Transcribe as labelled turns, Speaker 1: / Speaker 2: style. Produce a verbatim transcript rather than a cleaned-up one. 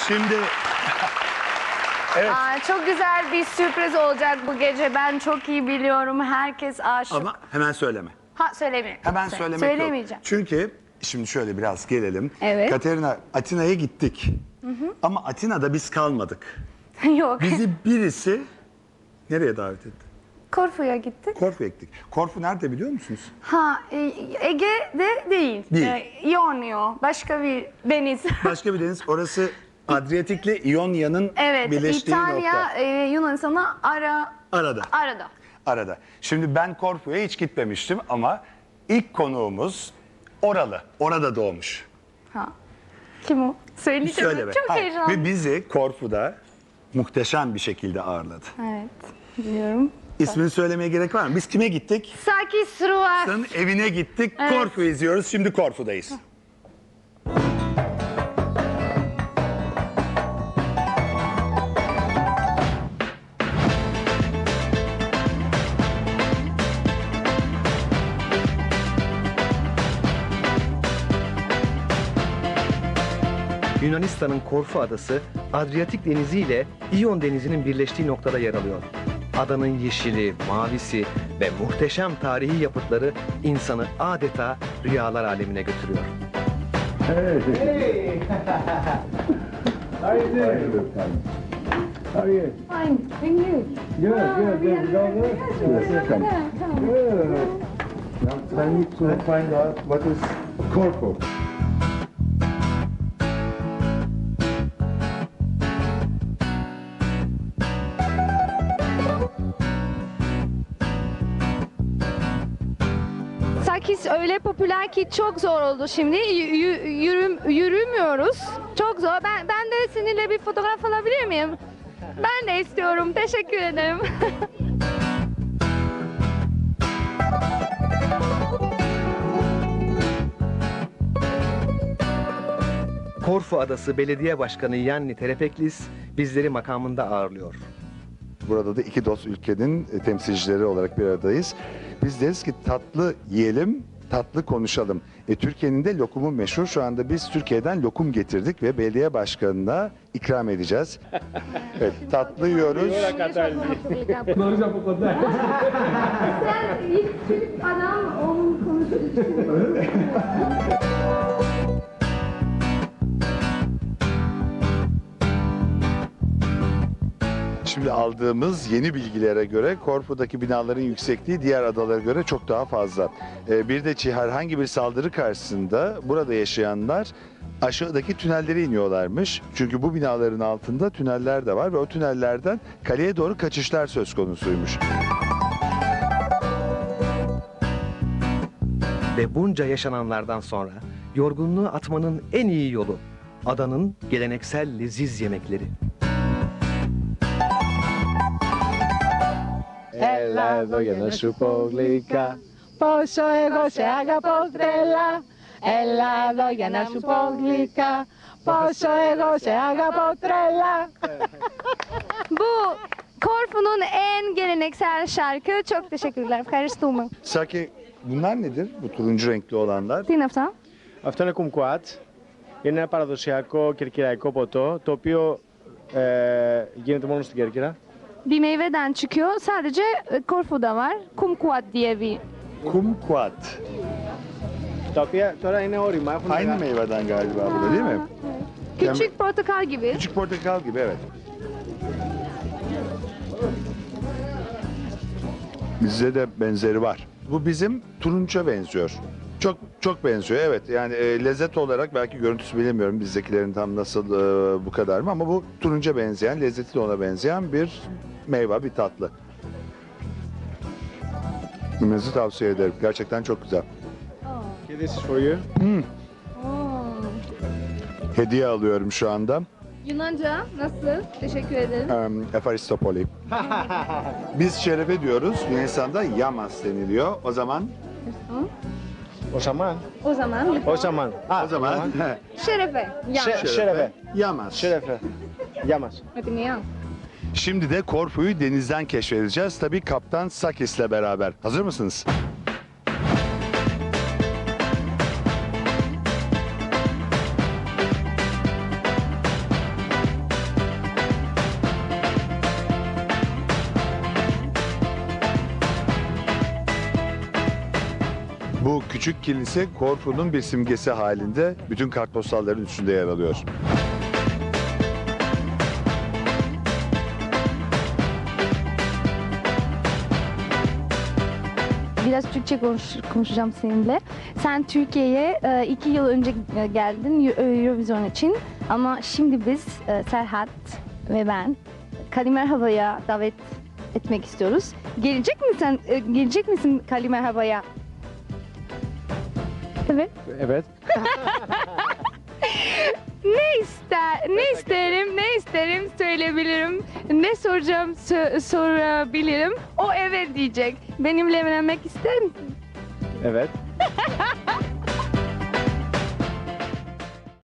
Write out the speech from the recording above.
Speaker 1: Şimdi evet.
Speaker 2: Aa, çok güzel bir sürpriz olacak bu gece. Ben çok iyi biliyorum. Herkes aşık.
Speaker 1: Ama hemen söyleme.
Speaker 2: Ha söylemeyeyim.
Speaker 1: Hemen
Speaker 2: Söyle-
Speaker 1: söylemek
Speaker 2: Söylemeyeceğim.
Speaker 1: yok. Çünkü şimdi şöyle biraz gelelim.
Speaker 2: Evet.
Speaker 1: Katerina, Atina'ya gittik. Ama Atina'da biz kalmadık.
Speaker 2: Yok.
Speaker 1: Bizi birisi nereye davet etti?
Speaker 2: Korfu'ya gittik.
Speaker 1: Korfu'ya gittik. Korfu nerede biliyor musunuz?
Speaker 2: Ha e, Ege'de değil.
Speaker 1: Değil.
Speaker 2: E, Ionio. Başka bir deniz.
Speaker 1: Başka bir deniz. Orası Adriyatik'le İonya'nın
Speaker 2: Evet.
Speaker 1: birleştiği
Speaker 2: İtalya
Speaker 1: nokta.
Speaker 2: e, Yunanistan'a ara
Speaker 1: Arada.
Speaker 2: arada.
Speaker 1: Arada. Şimdi ben Korfu'ya hiç gitmemiştim ama ilk konuğumuz oralı. Orada doğmuş.
Speaker 2: Ha. Kim o? Söyleyeceğim.
Speaker 1: Söyleme.
Speaker 2: Çok
Speaker 1: Hayır.
Speaker 2: heyecanlı.
Speaker 1: Ve bizi Korfu'da muhteşem bir şekilde ağırladı.
Speaker 2: Evet. Biliyorum.
Speaker 1: İsmini söylemeye gerek var mı? Biz kime gittik?
Speaker 2: Sakis Sruas.
Speaker 1: Sen evine gittik.
Speaker 2: Evet.
Speaker 1: Korfu izliyoruz. Şimdi Korfu'dayız.
Speaker 3: Yunanistan'ın Korfu adası Adriyatik Denizi ile İyon Denizi'nin birleştiği noktada yer alıyor. Adanın yeşili, mavisi ve muhteşem tarihi yapıtları insanı adeta rüyalar alemine götürüyor.
Speaker 4: How are you doing? How are you?
Speaker 2: Fine. Thank you.
Speaker 4: Good, good, good. Go there. Welcome. Good. Now, I need to find out what is Corfu.
Speaker 2: Sakis öyle popüler ki çok zor oldu şimdi. Y- y- yürüm, yürümüyoruz. Çok zor. Ben ben de seninle bir fotoğraf alabilir miyim? Ben de istiyorum. Teşekkür ederim.
Speaker 3: Korfu Adası Belediye Başkanı Yanni Terepeklis bizleri makamında ağırlıyor.
Speaker 1: Burada da iki dost ülkenin e, temsilcileri olarak bir aradayız. Biz deriz ki tatlı yiyelim, tatlı konuşalım. E, Türkiye'nin de lokumu meşhur. Şu anda biz Türkiye'den lokum getirdik ve belediye başkanına ikram edeceğiz. Evet, tatlı yiyoruz.
Speaker 2: Sen ilk Türk adam onun konuşuyor.
Speaker 1: Şimdi aldığımız yeni bilgilere göre Korfu'daki binaların yüksekliği diğer adalara göre çok daha fazla. Ee, bir de çi- herhangi bir saldırı karşısında burada yaşayanlar aşağıdaki tünellere iniyorlarmış. Çünkü bu binaların altında tüneller de var ve o tünellerden kaleye doğru kaçışlar söz konusuymuş.
Speaker 3: Ve bunca yaşananlardan sonra yorgunluğu atmanın en iyi yolu adanın geleneksel leziz yemekleri.
Speaker 5: Έλα για να σου πω γλυκά πόσο εγώ σε αγαπώ τρελά. Έλα εδώ για να σου πω γλυκά πόσο εγώ σε αγαπώ τρελά.
Speaker 2: Bu Korfu'nun en geleneksel şarkı. Çok teşekkürler. Ευχαριστούμε.
Speaker 1: Saki, bunlar nedir? Bu turuncu renkli olanlar.
Speaker 2: Τι είναι αυτά?
Speaker 6: Αυτό είναι κουμκουάτ. Είναι ένα παραδοσιακό κερκυραϊκό ποτό, το οποίο ε, γίνεται μόνο στην Κέρκυρα.
Speaker 2: Bir meyveden çıkıyor. Sadece e, Korfu'da var. Kumquat diye bir.
Speaker 1: Kumquat.
Speaker 6: Τα οποία τώρα είναι όρημα. Έχουν
Speaker 1: Aynı
Speaker 6: μεγα-
Speaker 1: meyveden galiba bu da değil mi?
Speaker 2: Küçük portakal gibi.
Speaker 1: Küçük portakal gibi, evet. Bizde de benzeri var. Bu bizim turunça benziyor. Çok çok benziyor, evet. Yani e, lezzet olarak belki görüntüsü bilemiyorum bizdekilerin tam nasıl e, bu kadar mı, ama bu turunca benzeyen, lezzeti de ona benzeyen bir meyve, bir tatlı. Yemenizi tavsiye ederim. Gerçekten çok güzel.
Speaker 6: Και this is for you.
Speaker 1: Hediye alıyorum şu anda.
Speaker 2: Yunanca nasıl? Teşekkür ederim.
Speaker 1: Um, Efaristopoli. Biz şerefe diyoruz. Yunanistan'da yamas deniliyor. O zaman
Speaker 6: Ο Σαμάν.
Speaker 2: O zaman
Speaker 6: Ο Σαμάν. Α,
Speaker 1: o zaman
Speaker 2: şerefe. Ya.
Speaker 6: Şe- şerefe.
Speaker 1: yamas.
Speaker 6: Şerefe. Γεια μας.
Speaker 2: Hadi mi ya?
Speaker 1: Şimdi de Korfu'yu denizden keşfedeceğiz. Tabii Kaptan Sakis'le beraber. Hazır mısınız? küçük kilise Korfu'nun bir simgesi halinde bütün kartpostalların üstünde yer alıyor.
Speaker 2: Biraz Türkçe konuş, konuşacağım seninle. Sen Türkiye'ye e, iki yıl önce e, geldin Eu- Eurovision için. Ama şimdi biz e, Serhat ve ben Kalimerhava'ya davet etmek istiyoruz. Gelecek misin? E, gelecek misin Kalimerhava'ya? Evet.
Speaker 6: Evet.
Speaker 2: Ne ister, ne isterim, ne isterim söyleyebilirim. Ne soracağım sö- sorabilirim. O evet diyecek. Benimle evlenmek ister misin?
Speaker 6: Evet.